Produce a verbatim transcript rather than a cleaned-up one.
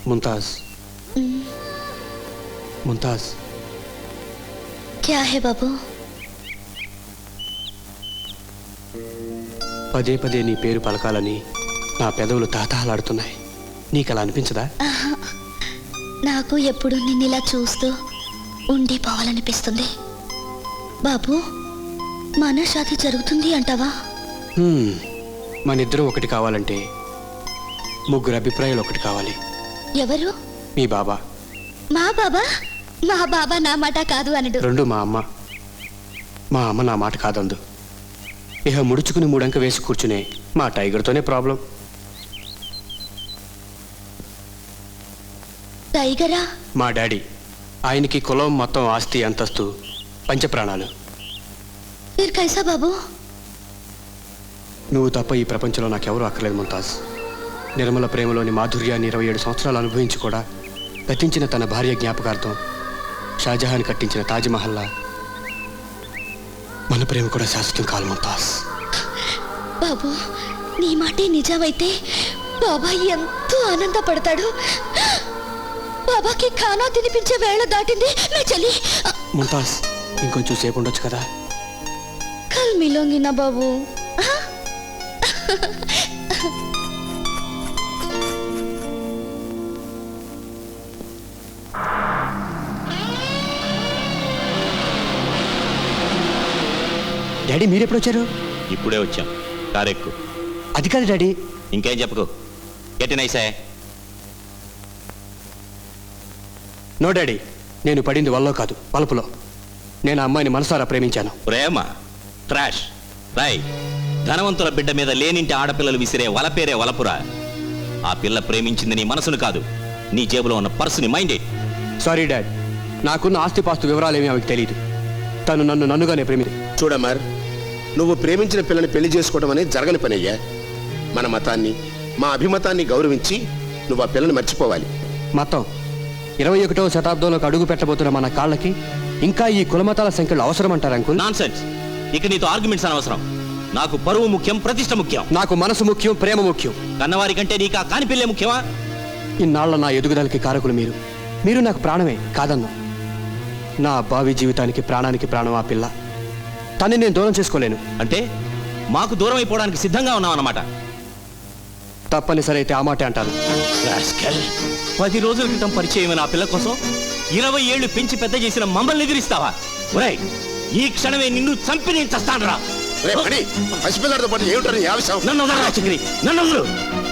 मुमताज मुमताज क्या है बाबू? పదే పదే నీ పేరు పలకాలని నా పెదవులు తాతహలాడుతున్నాయి. నీకు అలా అనిపించదా? నాకు ఎప్పుడు నిన్నిలా చూస్తూ ఉండిపోవాలనిపిస్తుంది. బాబు, మన షాదీ జరుగుతుంది అంటావా? మన ఇద్దరం ఒకటి కావాలంటే ముగ్గురు అభిప్రాయాలు ఒకటి కావాలి. ఎవరు? మీ బాబా. మా బాబా? మా బాబా నా మాట కాదు అనడు. రెండు మా అమ్మ. మా అమ్మ నా మాట కాదందు. ఇహ ముడుచుకుని మూడంక వేసి కూర్చునే మా టైగర్తోనే ప్రాబ్లం. టైగరా? మా డాడీ. ఆయనకి కులం, మొత్తం, ఆస్తి, అంతస్తు, పంచప్రాణాలు. ఫిర్ కైసా బాబు? నువ్వు తప్ప ఈ ప్రపంచంలో నాకెవరూ అక్కర్లేదు ముంతాజ్. నిర్మల ప్రేమలోని మాధుర్యాన్ని ఇరవై ఏడు సంవత్సరాలు అనుభవించి కూడా గతించిన తన భార్య జ్ఞాపకార్థం షాజహాన్ కట్టించిన తాజ్మహల్లా మన ప్రేమ కూడా శాశ్వతం కాదు ముంతాజ్. బాబు, నీ మాటే నిజమైతే బాబా ఎంతో ఆనందపడతాడు. బాబాకి ఖానా తినిపించే వేళ దాటింది. మే చలి. ముంతాజ్, ఇంకొంచెం సేపు ఉండొచ్చు కదా? కల్ మిలోంగి నా బాబు. డాడీ, మీరెప్పుడు వచ్చారు? ఇప్పుడే వచ్చాం. కారెక్కు. అది కాదు డాడీ. ఇంకేం చెప్పకు. గట్టి నైసే. నో డాడీ, నేను పడింది వల్లో కాదు, పలుపులో. నేను ఆ అమ్మాయిని మనసారా ప్రేమించాను. ప్రేమ ట్రాష్. రాయ్, ధనవంతుల బిడ్డ మీద లేనింటి ఆడపిల్లలు విసిరే వల పేరే వలపురా. ఆ పిల్ల ప్రేమించింది నీ మనసును కాదు, నీ జేబులో ఉన్న పర్సుని. Mind it. సారీ డాడ్, నాకున్న ఆస్తిపాస్తు వివరాలేమీ ఆమెకు తెలియదు. తను నన్ను నన్నుగానే ప్రేమి. చూడమర్, నువ్వు ప్రేమించిన పిల్లని పెళ్లి చేసుకోవడం అనేది జరగని పని అయ్యా. మన మతాన్ని, మా అభిమతాన్ని గౌరవించి నువ్వు ఆ పిల్లని మర్చిపోవాలి. మతం ఇరవై ఒకటవ శతాబ్దంలోకి అడుగు పెట్టబోతున్న మన కాళ్ళకి ఇంకా ఈ కులమతాల సంఖ్యలు అవసరం అంటారు అంకుల్? Non sense. ఇక నీతో ఆర్గ్యుమెంట్స్ అనవసరం. నాకు పరువు ముఖ్యం, ప్రతిష్ట ముఖ్యం. నాకు మనసు ముఖ్యం, ప్రేమ ముఖ్యం. కన్నవారి కంటే నీకు ఆ కాని పిల్లే ముఖ్యమా? ఇన్నాళ్ళ నా ఎదుగుదలకి కారకులు మీరు. మీరు నాకు ప్రాణమే కాదన్నా. నా భావి జీవితానికి ప్రాణానికి ప్రాణం ఆ పిల్ల. తన్ని నేను దూరం చేసుకోలేను. అంటే మాకు దూరం అయిపోవడానికి సిద్ధంగా ఉన్నావు అన్నమాట. తప్పనిసరి అయితే ఆ మాట అంటాను. పది రోజుల క్రితం పరిచయమైన ఆ పిల్ల కోసం ఇరవై ఏళ్లు పెంచి పెద్ద చేసిన మమ్మల్ని ఎదిరిస్తావా? ఒరేయ్, ఈ క్షణమే నిన్ను చంపి నేను చస్తాను రా. పసిపిల్లడితో పాటు ఏమిటని నన్ను వదలరా చక్రి, నన్ను వదలు.